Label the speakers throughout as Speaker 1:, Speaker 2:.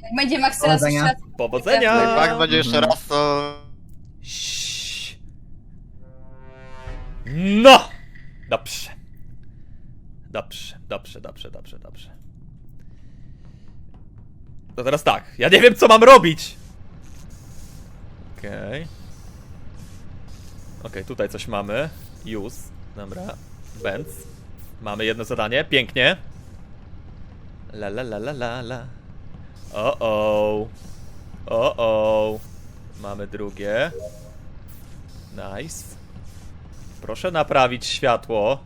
Speaker 1: Jak będzie Max teraz jeszcze
Speaker 2: Powodzenia.
Speaker 1: raz...
Speaker 3: Powodzenia!
Speaker 4: Jak będzie jeszcze raz, to...
Speaker 3: Ś- No! Dobrze. Dobrze. To teraz tak, ja nie wiem co mam robić! Okej. Okej, tutaj coś mamy. Use. Dobra. Benz. Mamy jedno zadanie, pięknie. La. O. Mamy drugie. Nice. Proszę naprawić światło.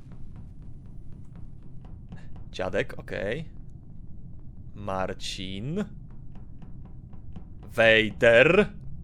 Speaker 3: Dziadek, okej. Marcin. Wejder.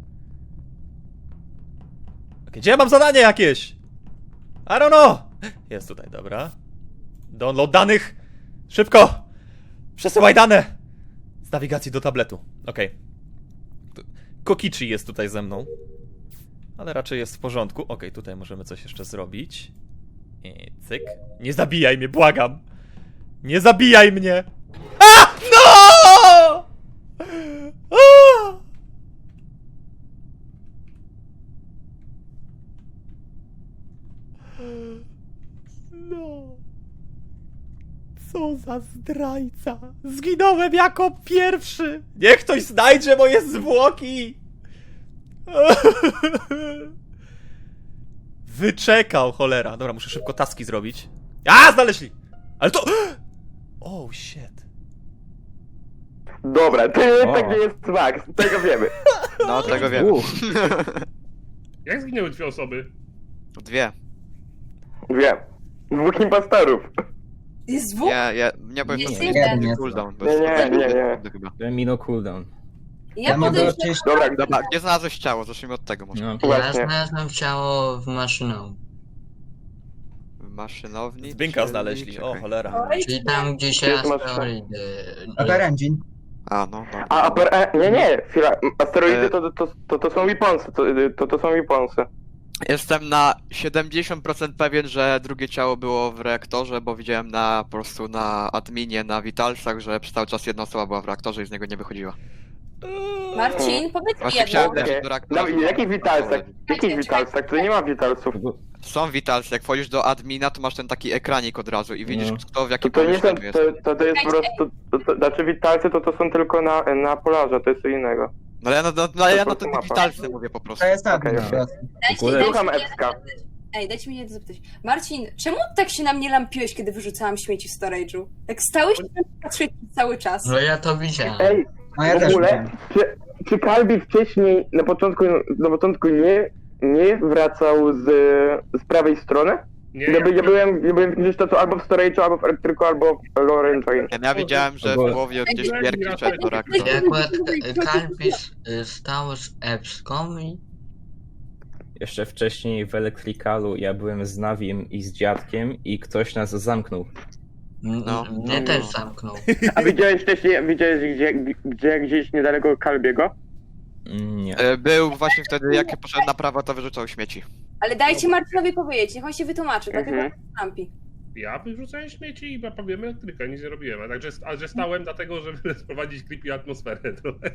Speaker 3: Okej, gdzie ja mam zadanie jakieś? I don't know. Jest tutaj, dobra. Download danych. Szybko. Przesyłaj dane. Z nawigacji do tabletu. Okej. Kokichi jest tutaj ze mną. Ale raczej jest w porządku. Okej, tutaj możemy coś jeszcze zrobić. I cyk. Nie zabijaj mnie, błagam. Nie zabijaj mnie. A! No! A! No. Co za zdrajca. Zginąłem jako pierwszy. Niech ktoś znajdzie moje zwłoki. Wyczekał, cholera. Dobra, muszę szybko taski zrobić. A, znaleźli! Ale to... Oh, shit.
Speaker 5: Dobra, to tak nie jest Max, tego wiemy.
Speaker 4: No, tego wiem.
Speaker 6: Jak zginęły dwie osoby?
Speaker 4: Dwie.
Speaker 5: Wiem. Dwóch impostorów.
Speaker 1: Jest dwóch?
Speaker 4: Nie powiem,
Speaker 1: Jest
Speaker 4: to
Speaker 1: jeden.
Speaker 4: jest cooldown. bo
Speaker 5: Nie,
Speaker 4: jest
Speaker 5: nie,
Speaker 4: cooldown chyba.
Speaker 2: Minął cooldown.
Speaker 1: Ja
Speaker 2: mogę
Speaker 1: podejrzewam...
Speaker 2: oczywiście...
Speaker 5: Dobra,
Speaker 4: Dobra, gdzie znalazłeś ciało? Zacznijmy od tego może.
Speaker 2: No.
Speaker 7: Ja
Speaker 5: Właśnie.
Speaker 7: znalazłem ciało w maszynowni.
Speaker 4: W maszynowni?
Speaker 3: Zbinka
Speaker 4: czyli-
Speaker 3: znaleźli, o
Speaker 4: czekaj.
Speaker 3: cholera.
Speaker 7: Czyli tam, gdzie się
Speaker 5: Jest
Speaker 7: asteroidy...
Speaker 2: Upper Engine.
Speaker 4: A, no.
Speaker 5: A, nie, chwila. Asteroidy to są weaponsy, to są weaponsy.
Speaker 4: Jestem na 70% pewien, że drugie ciało było w reaktorze, bo widziałem po prostu na adminie, na Vitalsach, że przez cały czas jedna osoba była w reaktorze i z niego nie wychodziła.
Speaker 1: Marcin, powiedz mi
Speaker 4: Właśnie
Speaker 1: jedno.
Speaker 4: chciałem lecieć do reaktora.
Speaker 5: No i jakich witalsach? Jakich witalsach? To nie ma witalsów.
Speaker 4: Są Vitalsy, jak wchodzisz do admina, to masz ten taki ekranik od razu i widzisz,
Speaker 2: No.
Speaker 4: kto w jakim
Speaker 5: To nie są,
Speaker 4: pomieszczeniu jest.
Speaker 5: to jest po prostu, znaczy witalcy to są tylko na polarze, to jest co innego.
Speaker 4: No ale ja na te
Speaker 5: mapa.
Speaker 4: Vitalsy mówię po prostu.
Speaker 2: To jest tak,
Speaker 5: Okej,
Speaker 2: no.
Speaker 5: okej. Słucham Epska.
Speaker 1: Dajcie mi jedno zapytać. Marcin, czemu tak się na mnie lampiłeś, kiedy wyrzucałam śmieci w storage'u? Jak stałeś tam patrzyłeś cały czas.
Speaker 7: No ja to widziałem.
Speaker 5: Ej,
Speaker 2: No ja
Speaker 5: w
Speaker 2: też
Speaker 5: ogóle,
Speaker 2: widziałem.
Speaker 5: czy Kalbi wcześniej, na początku nie wracał z prawej strony?
Speaker 6: Nie,
Speaker 5: Ja byłem gdzieś to albo w storage'u, albo w elektryku, albo w Lower Engine.
Speaker 4: Ja widziałem, że w połowie gdzieś Gierki szedł do reaktora.
Speaker 7: Ja akurat Kalpis stał z Epską i...
Speaker 8: Jeszcze wcześniej w Electricalu ja byłem z Nawim i z dziadkiem i ktoś nas zamknął.
Speaker 7: Mnie też zamknął.
Speaker 5: A widziałeś wcześniej, gdzieś niedaleko Kalbiego?
Speaker 8: Nie.
Speaker 4: Był właśnie wtedy, jak poszedł na prawo, to wyrzucał śmieci.
Speaker 1: Ale dajcie Marcinowi powiedzieć, niech on się wytłumaczy, dlatego
Speaker 5: Mhm.
Speaker 1: lampi.
Speaker 6: Ja wyrzucałem śmieci i naprawiłem elektrykę, nic nie robiłem. A że stałem dlatego, żeby sprowadzić creepy atmosferę trochę.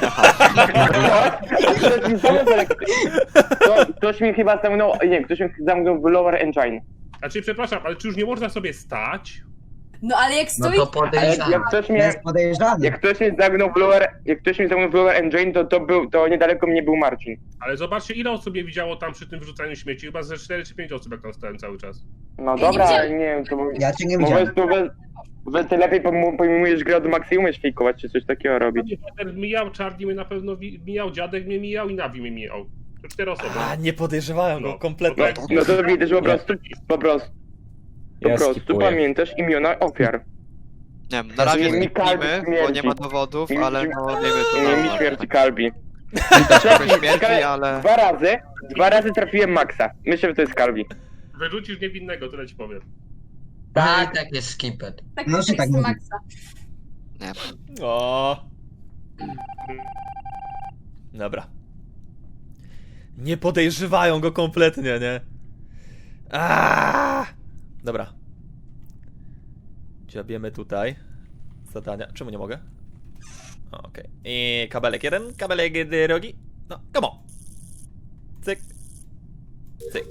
Speaker 5: Ktoś mi chyba zamknął, ktoś mi zamknął w Lower Engine.
Speaker 6: Znaczy, przepraszam, ale czy już nie można sobie stać?
Speaker 1: No ale jak
Speaker 7: No
Speaker 1: stoi...
Speaker 7: to podejrzane.
Speaker 2: To jest podejrzany.
Speaker 5: Jak ktoś mi zamknął w Lower Engine, to niedaleko mnie był Marcin.
Speaker 6: Ale zobaczcie, ile osób mnie widziało tam przy tym wyrzucaniu śmieci. Chyba ze 4 czy 5 osób, jak tam stałem cały czas.
Speaker 5: No
Speaker 1: nie
Speaker 5: dobra, ale
Speaker 1: widziałem.
Speaker 5: nie wiem, to
Speaker 2: Ja cię nie
Speaker 5: po
Speaker 2: widziałem.
Speaker 5: prostu ty lepiej pojmujesz grę od Maxi, umiesz fejkować, czy coś takiego robić.
Speaker 6: Peter mijał, Charlie mnie na pewno mijał, dziadek mnie mijał i Navi mnie mijał. To 4 osoby.
Speaker 3: A, nie podejrzewałem go
Speaker 6: No.
Speaker 3: kompletnie.
Speaker 5: No to widać, że po prostu
Speaker 8: Ja skipuję.
Speaker 5: pamiętasz imiona ofiar.
Speaker 4: Nie wiem, na razie
Speaker 5: Mi
Speaker 4: zniknijmy,
Speaker 5: Kalbi
Speaker 4: bo nie
Speaker 5: śmierdzi.
Speaker 4: ma dowodów, ale no wiemy
Speaker 5: Nie mi
Speaker 4: to
Speaker 5: śmierci Kalbi.
Speaker 4: trochę śmierdzi, ale...
Speaker 5: Dwa razy trafiłem Maxa. Myślę, że to jest Kalbi.
Speaker 6: Wyrzucisz niewinnego, tyle ci powiem.
Speaker 7: No i tak jest skipet.
Speaker 1: Tak,
Speaker 2: No,
Speaker 1: tak
Speaker 2: się tak
Speaker 1: jest
Speaker 2: mówi.
Speaker 1: Maxa.
Speaker 4: Nie.
Speaker 3: O. Dobra. Nie podejrzewają go kompletnie, nie? Aaaa! Dobra. Dziabiemy tutaj. Zadania. Czemu nie mogę? Okej. I kabelek jeden, kabelek drugi. No, come on. Cyk. Cyk.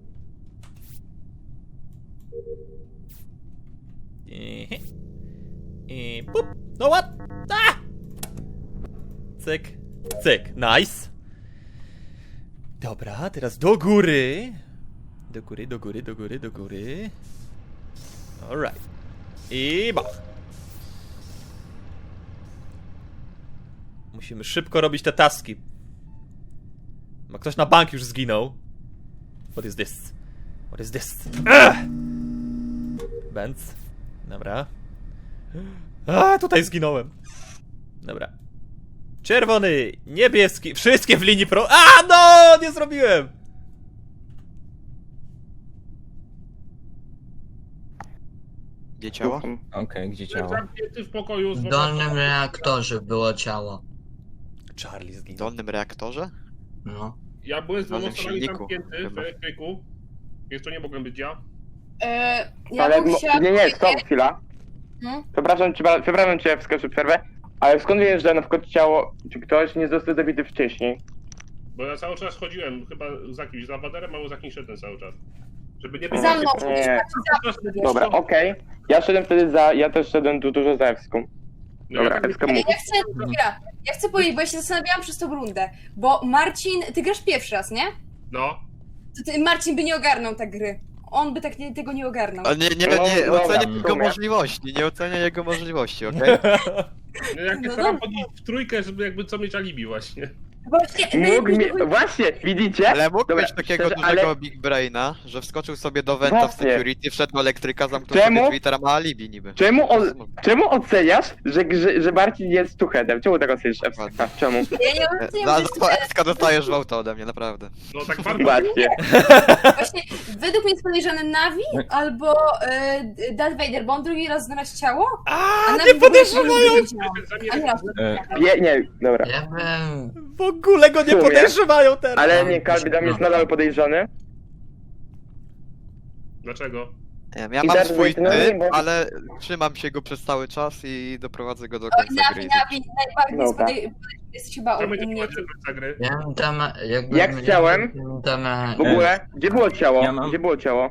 Speaker 3: I pup. No what? Ah! Cyk. Cyk. Nice. Dobra, teraz do góry. Do góry, do góry, do góry, do góry. Alright. I bach. Musimy szybko robić te taski. Ma ktoś na bank już zginął. What is this? What is this? Benz. Dobra. A, tutaj zginąłem. Dobra. Czerwony, niebieski, wszystkie w linii pro... A, no! Nie zrobiłem!
Speaker 4: Gdzie ciało?
Speaker 8: Okej, gdzie ciało?
Speaker 6: Zamknięty w pokoju z
Speaker 7: W dolnym reaktorze było ciało.
Speaker 3: Charlie
Speaker 4: W
Speaker 3: zginął.
Speaker 4: dolnym reaktorze?
Speaker 7: No.
Speaker 6: Ja byłem z dwoma
Speaker 4: Razem w
Speaker 6: osobami
Speaker 4: silniku,
Speaker 6: zamknięty w
Speaker 4: chyba.
Speaker 6: elektryku. Jeszcze nie mogłem być ja.
Speaker 1: Ja
Speaker 5: Ale
Speaker 1: bym chciała
Speaker 5: nie,
Speaker 1: powiedzieć-
Speaker 5: stop, chwila.
Speaker 1: No.
Speaker 5: Przepraszam cię, wskoczę przerwę, ale skąd wiesz, że na przykład ciało, czy ktoś nie został zabity wcześniej?
Speaker 6: Bo ja cały czas chodziłem chyba za kimś, za Waderem, albo za kimś szedłem cały czas. Żeby nie być...
Speaker 1: Za mną,
Speaker 5: Nie.
Speaker 1: wiesz.
Speaker 5: Dobra, okej. Ja też szedłem tu dużo za Ewską. Dobra, Ewska mów.
Speaker 1: Ja chcę powiedzieć, bo ja się zastanawiałam przez tą rundę, bo Marcin, ty grasz pierwszy raz, nie?
Speaker 6: No.
Speaker 1: To ty, Marcin by nie ogarnął tak gry. On by tak tego nie ogarnął.
Speaker 4: Ale nie
Speaker 5: No, dobra,
Speaker 4: oceniaj
Speaker 5: w
Speaker 4: jego
Speaker 5: sumie.
Speaker 4: możliwości, nie oceniaj jego możliwości, okej?
Speaker 6: No jak
Speaker 1: No
Speaker 6: staram
Speaker 1: dobra.
Speaker 6: chodzić w trójkę, żeby jakby co mieć alibi właśnie.
Speaker 1: Właśnie,
Speaker 5: Właśnie, widzicie?
Speaker 4: Ale mógł
Speaker 5: Dobra,
Speaker 4: mieć takiego
Speaker 5: szczerze,
Speaker 4: dużego
Speaker 5: ale-
Speaker 4: Big Braina, że wskoczył sobie do Venta w
Speaker 5: Właśnie.
Speaker 4: security, wszedł do elektryka, zamknął
Speaker 5: Czemu?
Speaker 4: sobie drzwi, teraz ma alibi niby.
Speaker 5: Czemu oceniasz, że Marcin jest tuchedem? Czemu tak oceniasz Ewska? Czemu?
Speaker 1: ja nie oceniam,
Speaker 4: Za
Speaker 1: że
Speaker 4: to Eska dostajesz wołta ode mnie, naprawdę.
Speaker 6: No tak bardzo...
Speaker 5: Właśnie.
Speaker 1: właśnie według mnie jest podejrzany Navi albo Darth Vader, bo on drugi raz znalazł ciało,
Speaker 3: A,
Speaker 1: Navi
Speaker 3: nie
Speaker 1: w ogóle
Speaker 3: podejrzewają!
Speaker 1: nie wiedziałam. A nie,
Speaker 5: Nie, dobra.
Speaker 7: Ja byłem...
Speaker 3: W ogóle go nie
Speaker 5: W sumie.
Speaker 3: podejrzewają teraz!
Speaker 5: Ale nie, Kalbi tam jest nadal podejrzany.
Speaker 6: Dlaczego?
Speaker 4: Nie wiem, ja
Speaker 5: I
Speaker 4: mam
Speaker 5: Darth
Speaker 4: swój
Speaker 5: Vader, no nie,
Speaker 4: typ,
Speaker 5: bo-
Speaker 4: ale trzymam się go przez cały czas i doprowadzę go do
Speaker 1: Oj,
Speaker 4: końca gry.
Speaker 1: Navi, najbardziej jest
Speaker 5: Dobra.
Speaker 1: jest chyba
Speaker 6: Co
Speaker 1: u
Speaker 6: będzie
Speaker 1: mnie.
Speaker 6: prowadzić do końca gry?
Speaker 7: Ja bym tam... Jakby
Speaker 5: Jak chciałem, W ogóle, gdzie było ciało?
Speaker 8: Ja mam-
Speaker 5: Gdzie było ciało?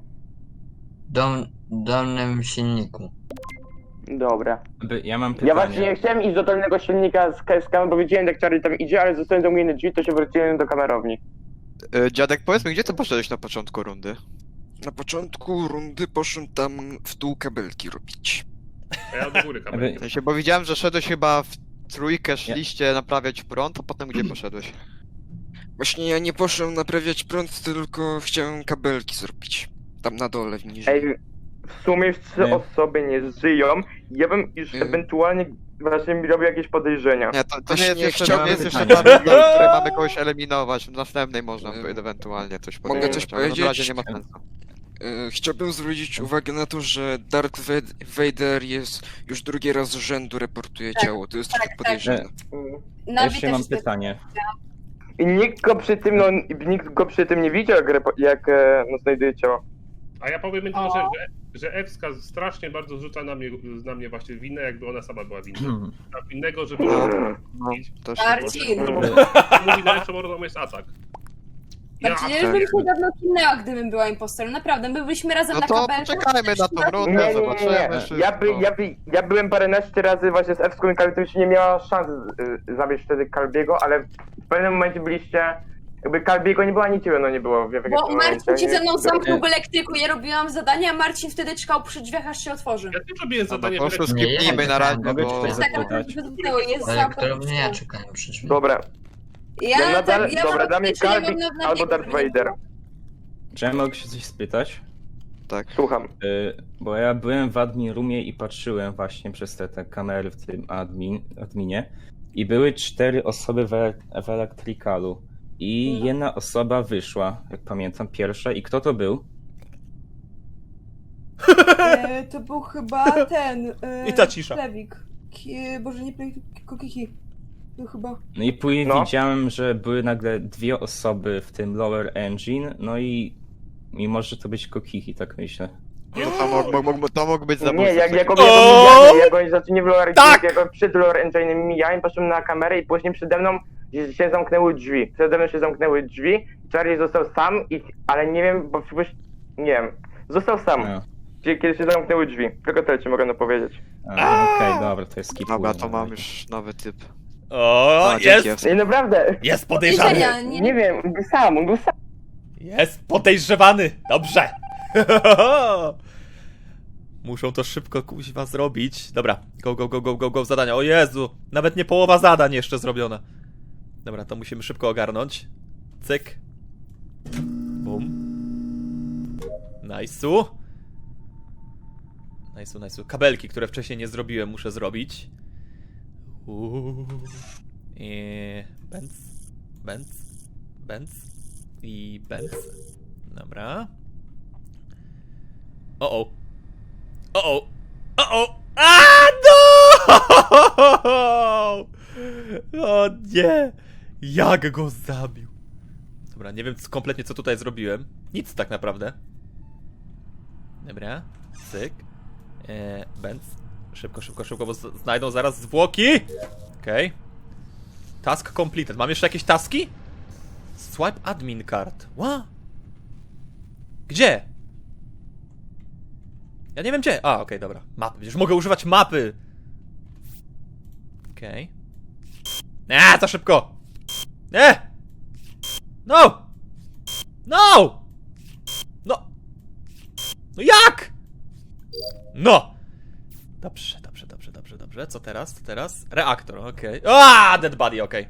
Speaker 7: dolnym silniku.
Speaker 5: Dobra.
Speaker 8: Ja mam
Speaker 5: Ja
Speaker 8: pytanie.
Speaker 5: właśnie chciałem iść do dolnego silnika z kamerą, bo widziałem jak Charlie tam idzie, ale zostałem zamknięty drzwi, to się wróciłem do kamerowni.
Speaker 4: Dziadek, powiedz mi, gdzie ty poszedłeś na początku rundy?
Speaker 9: Na początku rundy poszłem tam w dół kabelki robić.
Speaker 6: A ja do góry kamerę.
Speaker 4: W sensie, bo widziałem, że szedłeś chyba w trójkę, szliście naprawiać prąd, a potem gdzie poszedłeś?
Speaker 9: Właśnie ja nie poszłem naprawiać prąd, tylko chciałem kabelki zrobić. Tam na dole, w niżej.
Speaker 5: Ej, w sumie już 3
Speaker 8: Nie.
Speaker 5: osoby nie żyją. Ja bym już
Speaker 9: Nie.
Speaker 5: ewentualnie właśnie robił jakieś podejrzenia.
Speaker 4: Nie, to nie
Speaker 9: Właśnie
Speaker 4: jest jeszcze,
Speaker 9: chciałem
Speaker 4: to nie jest jeszcze
Speaker 8: pytanie.
Speaker 4: ta runda, w której mamy kogoś eliminować. W następnej można ewentualnie coś
Speaker 9: Mogę
Speaker 4: powiedzieć,
Speaker 9: coś
Speaker 4: ale na
Speaker 9: powiedzieć?
Speaker 4: razie nie ma sensu.
Speaker 9: Chciałbym zwrócić uwagę na to, że Darth Vader jest już drugi raz z rzędu reportuje ciało. To jest trochę podejrzane.
Speaker 1: Navi
Speaker 8: Jeszcze
Speaker 1: też
Speaker 8: mam
Speaker 1: jest
Speaker 8: pytanie.
Speaker 5: I nikt go przy tym nie widział, jak znajduje ciało.
Speaker 6: A ja powiem jedną rzecz, że Ewska strasznie bardzo zrzuca na mnie właśnie winę, jakby ona sama była winna. A winnego, żeby...
Speaker 4: No, też
Speaker 1: Marcin.
Speaker 6: Mówi, najlepszą mordą jest atak.
Speaker 1: Marcin, ja już bym się dawno kinęła, gdybym była impostorem. Naprawdę, my byliśmy razem
Speaker 4: No
Speaker 1: na
Speaker 4: to
Speaker 1: kabelce.
Speaker 4: poczekajmy na tą rundę, zobaczymy wszystko.
Speaker 5: Ja byłem paręnaście razy właśnie z Ewską i Kalbi, to już nie miała szans zabić wtedy Kalbiego, ale w pewnym momencie byliście... Jakby Kalbiego nie było, ani ciebie no nie było.
Speaker 1: Bo Marcin się ze mną zamknął w elektryku, ja robiłam zadanie, a Marcin wtedy czekał przy drzwiach, aż się otworzy.
Speaker 6: Ja też robiłem
Speaker 4: No
Speaker 6: zadanie...
Speaker 4: po prostu
Speaker 6: w
Speaker 4: skipnijmy na razie,
Speaker 8: Mogę
Speaker 4: bo...
Speaker 8: coś
Speaker 1: Tak,
Speaker 8: zapytać?
Speaker 1: ale jest
Speaker 7: Elektrownie ja czekałem przy drzwi.
Speaker 5: Dobra, ja nadal, dobra,
Speaker 1: mam
Speaker 5: dla mnie
Speaker 1: poczucie, że
Speaker 5: Kalbi
Speaker 1: nie mam na
Speaker 5: albo
Speaker 1: niego,
Speaker 5: Darth
Speaker 1: żeby nie
Speaker 5: Vader.
Speaker 1: było.
Speaker 8: Czy ja mogę się coś spytać?
Speaker 4: Tak.
Speaker 5: Słucham.
Speaker 8: Bo ja byłem w admin roomie i patrzyłem właśnie przez te kamery w tym adminie i były 4 osoby w elektrykalu i jedna osoba wyszła, jak pamiętam, pierwsza. I kto to był?
Speaker 1: To był chyba ten...
Speaker 3: I ta cisza.
Speaker 1: Plewik. Boże, nie Plewik, Kokiki. To chyba...
Speaker 8: No i później
Speaker 5: No.
Speaker 8: widziałem, że były nagle 2 osoby w tym lower engine, no i mimo, że to być Kokichi, tak myślę.
Speaker 4: To mógł być zabójca.
Speaker 5: Nie, jak oni zaczęli w Lore
Speaker 3: Tak!
Speaker 5: jak przed Lore Engine'em mijałem, poszedłem na kamerę i później przede mną się zamknęły drzwi. Przede mną się zamknęły drzwi, Charlie został sam, ale nie wiem, bo nie wiem, został sam.
Speaker 8: No.
Speaker 5: Kiedy się zamknęły drzwi. Tylko tyle ci mogę powiedzieć.
Speaker 8: Okej, dobra, to jest skip.
Speaker 4: Dobra, to mam już nowy typ.
Speaker 3: O,
Speaker 4: A, dzięki,
Speaker 3: jest!
Speaker 5: Nie, naprawdę.
Speaker 3: Jest podejrzany!
Speaker 1: Widzenia,
Speaker 5: Nie wiem, on był sam.
Speaker 3: Jest podejrzewany! Dobrze! Muszą to szybko kuźwa zrobić. Dobra, go, zadania. O Jezu! Nawet nie połowa zadań jeszcze zrobiona. Dobra, to musimy szybko ogarnąć. Cyk. Bum. Nice'u. Kabelki, które wcześniej nie zrobiłem, muszę zrobić. Benz. I Benz. Dobra. O! No! O nie! Jak go zabił? Dobra, nie wiem kompletnie co tutaj zrobiłem. Nic tak naprawdę. Dobra. Cyk. Benz. Szybko, bo znajdą zaraz zwłoki. Okej. Task completed. Mam jeszcze jakieś taski? Swipe admin card. What? Gdzie? Ja nie wiem gdzie. A, okej, dobra. Mapy. Przecież mogę używać mapy. Okej. Za szybko. Nie! No! No! No jak? No! Dobrze. Co teraz? Reaktor, okej. Dead body, okej.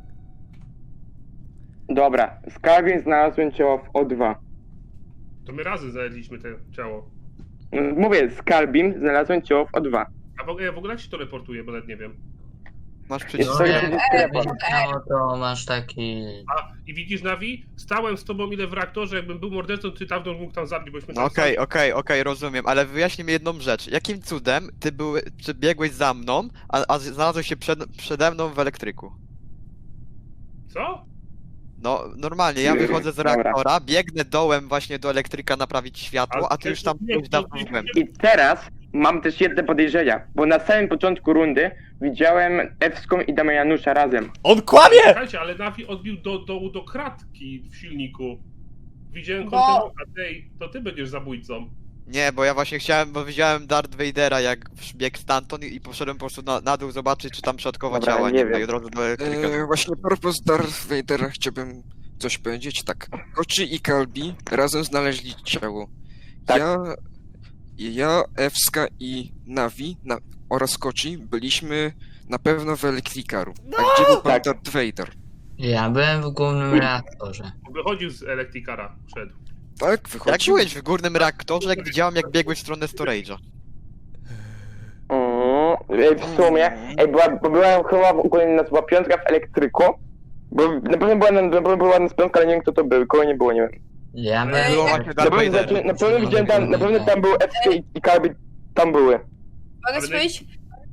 Speaker 5: Dobra, z Calvin znalazłem ciało w O2.
Speaker 6: To my razem znaleźliśmy to ciało.
Speaker 5: Mówię, z Calvin znalazłem ciało w O2.
Speaker 6: A w ogóle jak się to reportuje, bo nawet nie wiem.
Speaker 4: Masz przecież...
Speaker 7: No, to masz taki...
Speaker 6: I widzisz, Navi? Stałem z tobą ile w reaktorze, jakbym był mordercą, ty tam mógł tam zabić, bośmy tam
Speaker 4: Okej, rozumiem, ale wyjaśnij mi jedną rzecz. Jakim cudem ty biegłeś za mną, a znalazłeś się przede mną w elektryku?
Speaker 6: Co?
Speaker 4: No, normalnie, ja wychodzę z reaktora, biegnę dołem właśnie do elektryka naprawić światło, a ty już tam byłeś dawno w głębi.
Speaker 5: I teraz mam też jedne podejrzenia, bo na samym początku rundy widziałem Ewską i Damianusza razem.
Speaker 3: On kłamie!
Speaker 6: Słuchajcie, ale Navi odbił do kratki w silniku. Widziałem kontynuację, to ty będziesz zabójcą.
Speaker 4: Nie, bo ja właśnie bo widziałem Darth Vadera jak biegł stamtąd i poszedłem po prostu na dół zobaczyć, czy tam środkowa
Speaker 5: Dobra,
Speaker 4: ciała
Speaker 5: nie
Speaker 4: ma
Speaker 5: wiem.
Speaker 4: i od razu do elektryka.
Speaker 9: Właśnie propos Darth Vadera chciałbym coś powiedzieć. Tak, Kochi i Kalbi razem znaleźli ciało.
Speaker 5: Tak.
Speaker 9: Ja, Ewska i Navi oraz Kochi byliśmy na pewno w elektrikaru. A gdzie był pan Darth Vader?
Speaker 7: Ja byłem w głównym reaktorze.
Speaker 6: Wychodził z elektrikara, szedł.
Speaker 9: Tak,
Speaker 4: Jak
Speaker 9: wychodził.
Speaker 4: byłeś w górnym reaktorze, jak widziałem jak biegłeś w stronę storage'a?
Speaker 5: W sumie, bo była chyba ogólnie nazwa piątka w elektryku. Bo na pewno była nas piątka, ale nie wiem kto to był, kogo nie było, nie wiem.
Speaker 7: Ja byłem...
Speaker 4: Było właśnie Darth Vader.
Speaker 5: Na pewno widziałem na pewno tam był Ewska i Calvin tam były.
Speaker 1: Mogę powiedzieć?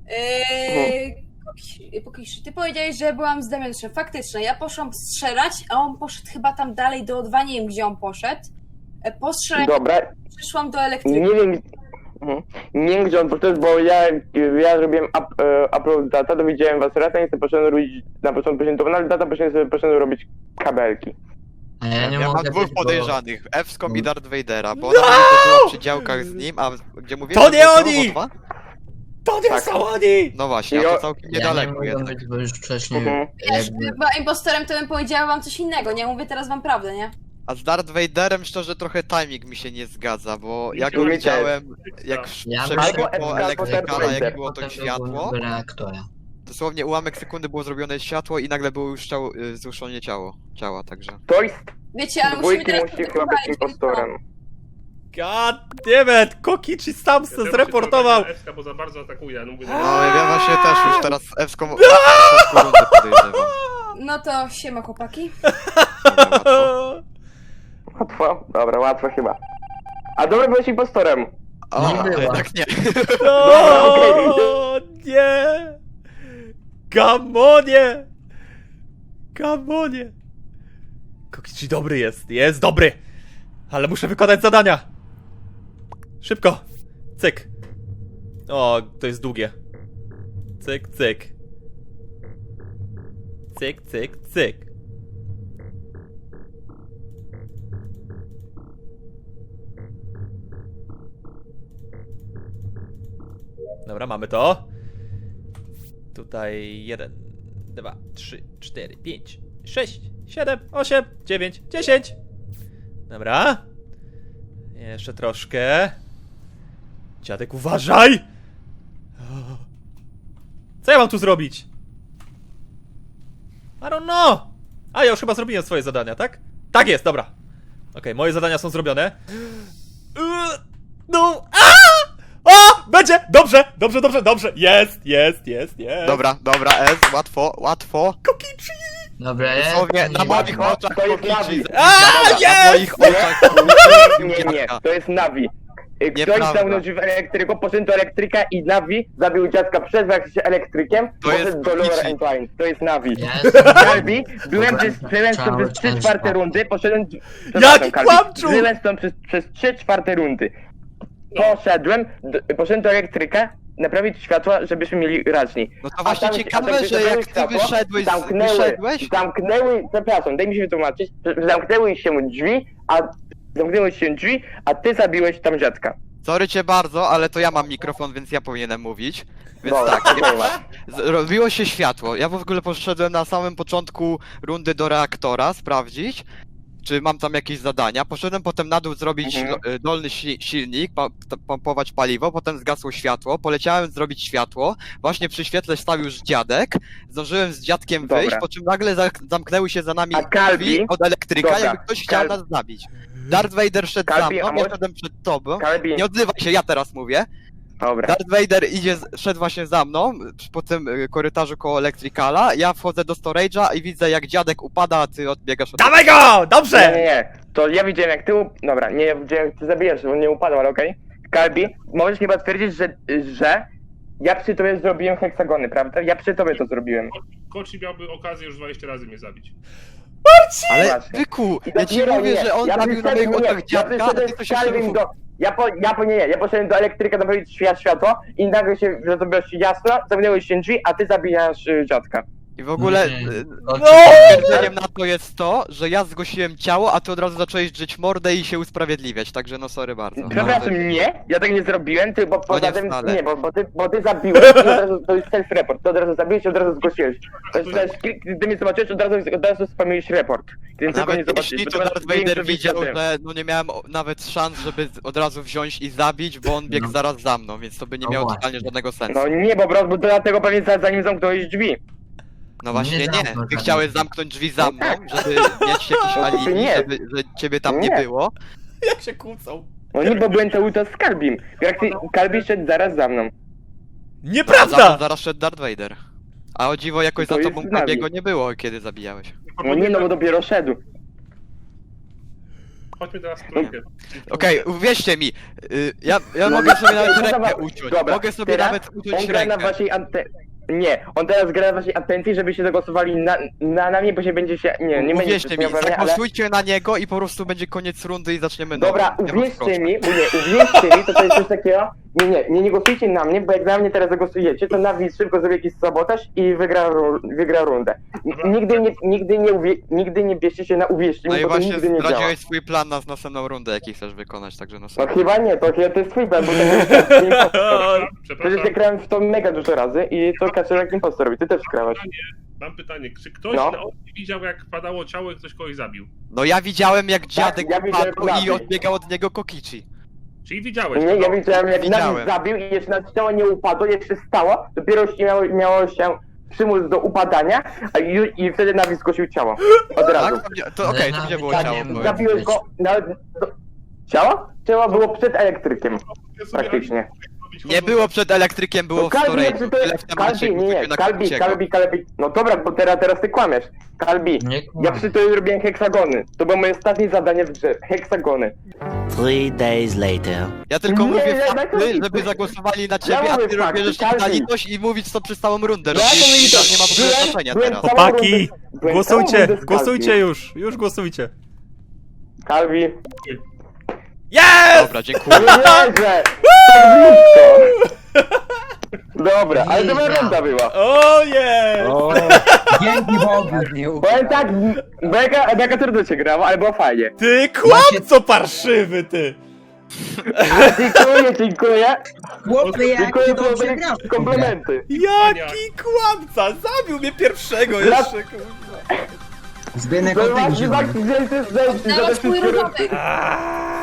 Speaker 1: Ty powiedziałeś, że byłam z Damianuszem. Faktycznie, ja poszłam strzelać, a on poszedł chyba tam dalej do O2, nie wiem gdzie on poszedł. Postrzelać,
Speaker 5: Dobra,
Speaker 1: przyszłam do elektryka.
Speaker 5: nie wiem gdzie on poszedł, bo ja robiłem upload data, to widziałem was raz, a nie poszedłem robić na początku prezentowane data, poszedłem robić kabelki.
Speaker 7: A ja nie
Speaker 4: Ja mam
Speaker 7: mogę
Speaker 4: dwóch
Speaker 7: być, bo-
Speaker 4: podejrzanych, Ewską i Darth Vadera, bo ona mówi, że była przy działkach z nim, a gdzie mówię,
Speaker 3: To
Speaker 4: że
Speaker 3: nie
Speaker 4: było
Speaker 3: oni!
Speaker 4: O2?
Speaker 3: To nie
Speaker 5: Tak.
Speaker 3: są oni!
Speaker 4: No właśnie, a to całkiem
Speaker 7: Ja nie
Speaker 4: niedaleko
Speaker 7: mogę
Speaker 4: jednak.
Speaker 7: być, bo już wcześniej
Speaker 1: Wiesz,
Speaker 7: jakby...
Speaker 1: była impostorem, to bym powiedziała wam coś innego, nie? Mówię teraz wam prawdę, nie?
Speaker 4: A z Darth Vaderem szczerze trochę timing mi się nie zgadza, bo
Speaker 6: Mi
Speaker 4: jak
Speaker 6: się
Speaker 4: go
Speaker 5: też.
Speaker 4: widziałem, jak
Speaker 7: Ja
Speaker 4: przebiegł
Speaker 5: albo
Speaker 4: po
Speaker 5: Ewska,
Speaker 4: elektrykala,
Speaker 5: albo
Speaker 4: jak
Speaker 5: Vader.
Speaker 4: było to
Speaker 7: Potem
Speaker 4: światło,
Speaker 7: byłem w reaktorze.
Speaker 4: dosłownie ułamek sekundy było zrobione światło i nagle było już zruszenie ciała, także...
Speaker 5: To jest
Speaker 1: Wiecie, ale musimy
Speaker 5: dwójki
Speaker 1: teraz...
Speaker 5: musi chyba być impostorem.
Speaker 3: God damn it! Kokichi sam se zreportował!
Speaker 6: Ewska, bo za bardzo atakuje, no mówię,
Speaker 4: No ja właśnie też już teraz Ewską rundę podejrzewam.
Speaker 1: No to siema chłopaki.
Speaker 5: Łatwo? Dobra, łatwo chyba. A dobra, byłeś impostorem.
Speaker 4: O,
Speaker 7: Nie była.
Speaker 4: jednak nie.
Speaker 3: O, nie! Gamonie! Gamonie! Kokichi dobry jest dobry! Ale muszę wykonać zadania! Szybko! Cyk! O, to jest długie. Cyk, cyk. Cyk, cyk, cyk. Dobra, mamy to. Tutaj 1, 2, 3, 4, 5, 6, 7, 8, 9, 10. Dobra. Jeszcze troszkę. Dziadek, uważaj! Co ja mam tu zrobić? I don't know. A, ja już chyba zrobiłem swoje zadania, tak? Tak jest, dobra. Okej, moje zadania są zrobione. No, o! Będzie! Dobrze, dobrze, dobrze, dobrze. Jest.
Speaker 4: Dobra, dobra, S, łatwo.
Speaker 3: Kokichi!
Speaker 7: Dobra, jest.
Speaker 4: Dosłownie, na moich oczach
Speaker 5: to jest
Speaker 4: Kokichi.
Speaker 5: Navi.
Speaker 4: Na moich oczach
Speaker 5: Nie, to jest Navi. Ktoś
Speaker 4: Nieprawda.
Speaker 5: zamknął drzwi w elektryku, poszedł do elektryka i Navi zabił dziadka przez się elektrykiem,
Speaker 4: To jest
Speaker 5: poszedł do Lower
Speaker 4: Kokichi.
Speaker 5: Entwine. To jest Navi.
Speaker 7: Jest.
Speaker 5: Kalbi, byłem
Speaker 7: Dobra,
Speaker 5: przez
Speaker 7: cały
Speaker 5: 3/4
Speaker 7: czas.
Speaker 5: rundy, poszedłem...
Speaker 3: Jaki kłamczu!
Speaker 5: Byłem stąd przez 3/4 rundy. Poszedłem do elektryka, naprawić światła, żebyśmy mieli raźniej.
Speaker 4: No to właśnie ciekawe, że jak ty wyszedłeś,
Speaker 5: przepraszam, daj mi się wytłumaczyć, zamknęły się drzwi, a ty zabiłeś tam dziadka.
Speaker 4: Sorry cię bardzo, ale to ja mam mikrofon, więc ja powinienem mówić. Więc
Speaker 5: Dobra,
Speaker 4: tak,
Speaker 5: nie ma.
Speaker 4: robiło się światło. Ja w ogóle poszedłem na samym początku rundy do reaktora sprawdzić, czy mam tam jakieś zadania. Poszedłem potem na dół zrobić dolny silnik, pompować paliwo, potem zgasło światło, poleciałem zrobić światło, właśnie przy świetle stał już dziadek, zdążyłem z dziadkiem
Speaker 5: Dobra.
Speaker 4: wyjść, po czym nagle zamknęły się za nami
Speaker 5: A Kalbi?
Speaker 4: drzwi od elektryka,
Speaker 5: Dobra.
Speaker 4: jakby ktoś chciał nas zabić. Darth Vader szedł
Speaker 5: Kalbi,
Speaker 4: za
Speaker 5: a
Speaker 4: mną, ja
Speaker 5: może-
Speaker 4: szedłem przed tobą.
Speaker 5: Kalbi,
Speaker 4: Nie odzywaj się, ja teraz mówię.
Speaker 5: dobra.
Speaker 4: Darth Vader szedł właśnie za mną, po tym korytarzu koło Electricala, ja wchodzę do storage'a i widzę jak dziadek upada, a ty odbiegasz od...
Speaker 3: Dawaj go! Dobrze!
Speaker 5: Nie. To ja widziałem jak ty... Dobra, nie, ja widziałem jak ty zabijasz, bo nie upadł, ale okej. Kalbi, możesz chyba twierdzić, że ja przy tobie zrobiłem heksagony, prawda? Ja przy tobie to zrobiłem.
Speaker 6: Koci miałby okazję już 20 razy mnie zabić.
Speaker 4: Ale
Speaker 5: Właśnie.
Speaker 4: byku,
Speaker 5: I
Speaker 4: ja ci
Speaker 5: dopiero
Speaker 4: mówię,
Speaker 5: nie.
Speaker 4: że on
Speaker 5: Ja
Speaker 4: zabił na
Speaker 5: przyszedłem-
Speaker 4: moich oczach
Speaker 5: nie,
Speaker 4: dziadka, a ty to się
Speaker 5: Kalbim
Speaker 4: szybko...
Speaker 5: do... Ja poszedłem do elektryka naprawić światło i nagle się zrobiło się jasno, zamknęły się drzwi, a ty zabijasz dziadka.
Speaker 4: I w ogóle
Speaker 3: No!
Speaker 4: potwierdzeniem na to jest to, że ja zgłosiłem ciało, a ty od razu zacząłeś drzeć mordę i się usprawiedliwiać, także no sorry bardzo.
Speaker 5: Przepraszam, nie, ja tak nie zrobiłem, ty, bo poza
Speaker 4: nie
Speaker 5: tym,
Speaker 4: wcale.
Speaker 5: nie, bo ty zabiłeś i od razu, to jest self-report, ty od razu zabiłeś i od razu zgłosiłeś. To jest, gdy mnie zobaczyłeś, od razu spamiłeś report. Gdy tylko nie
Speaker 4: Nawet
Speaker 5: zobaczyłeś,
Speaker 4: jeśli
Speaker 5: bo
Speaker 4: to
Speaker 5: masz
Speaker 4: Darth Vader
Speaker 5: większe
Speaker 4: widział,
Speaker 5: wyświetlenie.
Speaker 4: że no nie miałem nawet szans, żeby od razu wziąć i zabić, bo on biegł
Speaker 7: No.
Speaker 4: zaraz za mną, więc to by nie
Speaker 7: No
Speaker 4: miało
Speaker 7: właśnie.
Speaker 4: totalnie żadnego sensu.
Speaker 5: No nie, bo dlatego pewnie zanim zamknąłeś drzwi.
Speaker 4: No właśnie
Speaker 7: Nie
Speaker 4: nie,
Speaker 7: zamknął
Speaker 4: ty
Speaker 7: żadnych
Speaker 4: chciałeś
Speaker 7: drzwi.
Speaker 4: zamknąć drzwi za mną, żeby mieć jakieś alibi,
Speaker 5: Nie.
Speaker 4: że ciebie tam nie
Speaker 5: Nie.
Speaker 4: było.
Speaker 3: Jak się kłócą?
Speaker 5: No nie, bo byłem cały czas z Kalbim. Jak ty, Kalbi szedł zaraz za mną.
Speaker 4: Za mną
Speaker 3: Nieprawda!
Speaker 4: zaraz szedł Darth Vader. A o dziwo jakoś
Speaker 5: To
Speaker 4: za
Speaker 5: jest
Speaker 4: tobą
Speaker 5: z nami.
Speaker 4: Kabiego nie było, kiedy zabijałeś.
Speaker 5: No nie, no bo dopiero szedł.
Speaker 6: Chodźmy teraz w trójkę.
Speaker 4: Okej, uwierzcie mi, ja mogę sobie nawet
Speaker 5: No
Speaker 4: rękę
Speaker 5: dobra,
Speaker 4: uciąć,
Speaker 5: dobra,
Speaker 4: mogę sobie
Speaker 5: teraz
Speaker 4: nawet uciąć
Speaker 5: On gra na
Speaker 4: rękę.
Speaker 5: waszej Nie, on teraz gra na waszej atencji, żebyście zagłosowali na mnie, bo się będzie się... Nie będzie
Speaker 4: Uwierzcie
Speaker 5: się
Speaker 4: mi,
Speaker 5: śmiał we mnie, ale...
Speaker 4: zagłosujcie na niego i po prostu będzie koniec rundy i zaczniemy
Speaker 5: Dobra,
Speaker 4: nową. Ja was proszę.
Speaker 5: uwierzcie mi, bo nie, uwierzcie mi, to jest coś takiego... Nie głosujcie na mnie, bo jak na mnie teraz zagłosujecie, to Navi szybko zrobi jakiś sabotaż i wygra rundę. Nigdy nie bierzcie się na uwierzcie
Speaker 4: No
Speaker 5: mi,
Speaker 4: i
Speaker 5: bo to
Speaker 4: właśnie
Speaker 5: nigdy nie działa.
Speaker 4: zdradziłeś swój plan na następną rundę, jaki chcesz wykonać, także no
Speaker 5: No
Speaker 4: sorry.
Speaker 5: chyba nie, to jest twój plan, bo to jest impostor. Przecież
Speaker 6: Przepraszam,
Speaker 5: ja grałem w to mega dużo razy i to Kaczorek impostor robi, ty też grałeś.
Speaker 6: mam pytanie. Czy ktoś
Speaker 5: No.
Speaker 6: na oczy widział, jak padało ciało i ktoś kogoś zabił?
Speaker 4: No ja widziałem jak dziadek
Speaker 5: ja widziałem
Speaker 4: padł i
Speaker 5: Navi.
Speaker 4: odbiegał od niego Kokichi.
Speaker 6: Czyli widziałeś
Speaker 5: Nie,
Speaker 6: to?
Speaker 5: ja widziałem jak
Speaker 4: Widziałem.
Speaker 5: Navi zabił i jeszcze na ciało nie upadło, jeszcze stało, dopiero miało się przymus do upadania, i wtedy Navi zgłosił ciało. Od razu.
Speaker 4: Tak? To okej, to
Speaker 7: Ale
Speaker 4: gdzie było
Speaker 7: Navi
Speaker 4: ciało?
Speaker 7: nie
Speaker 4: Powiedz.
Speaker 5: Zabiłeś go nawet... Ciało? Ciało było przed elektrykiem, praktycznie.
Speaker 4: Nie było przed elektrykiem, było w storage. Tyle w temacie,
Speaker 5: Kalbi, nie,
Speaker 4: na
Speaker 5: Kalbi.
Speaker 4: Kokiciego.
Speaker 5: No dobra, bo teraz ty kłamiesz. Kalbi,
Speaker 7: Nie
Speaker 5: ja
Speaker 7: kłam.
Speaker 5: przy tobie robiłem heksagony. To było moje ostatnie zadanie w grze. Heksagony.
Speaker 10: 3 days later.
Speaker 4: Ja tylko
Speaker 5: Nie,
Speaker 4: mówię
Speaker 5: ja
Speaker 4: fakty,
Speaker 5: mówię-
Speaker 4: żeby zagłosowali na
Speaker 5: Ja
Speaker 4: ciebie, a
Speaker 5: mówię
Speaker 4: ty
Speaker 5: fakty,
Speaker 4: bierzesz
Speaker 5: Kalbi.
Speaker 4: na litość i mówić to przez całą rundę.
Speaker 5: Ja
Speaker 4: Robisz,
Speaker 5: to mi to-
Speaker 4: nie ma w ogóle
Speaker 5: byłem-
Speaker 4: znaczenia
Speaker 5: byłem
Speaker 4: teraz.
Speaker 5: całą
Speaker 3: Chłopaki,
Speaker 5: rundę- byłem
Speaker 3: głosujcie,
Speaker 5: całą rundę z
Speaker 3: głosujcie
Speaker 5: Kalbi.
Speaker 3: już głosujcie.
Speaker 5: Kalbi.
Speaker 3: Jest!
Speaker 4: Dobra, dziękuję.
Speaker 5: Nie wierzę! Tak blisko! Dobra, ale dobra runda była.
Speaker 3: O nie!
Speaker 8: O,
Speaker 2: Dzięki Bogu.
Speaker 5: Powiem tak, mega trudno się grało, ale było fajnie.
Speaker 3: Ty kłamco parszywy, ty!
Speaker 5: Dziękuję.
Speaker 2: Chłopie, jak
Speaker 5: Dziękuję,
Speaker 2: ty
Speaker 5: to
Speaker 2: dobrze
Speaker 5: były
Speaker 2: grasz.
Speaker 5: komplementy.
Speaker 3: Jaki kłamca! Zabił mnie pierwszego jeszcze, kurwa.
Speaker 2: Zbynek
Speaker 5: To
Speaker 2: o tym
Speaker 5: właśnie
Speaker 2: żył.
Speaker 5: tak, że
Speaker 1: Dawać twój rodowy.
Speaker 3: Aaaa!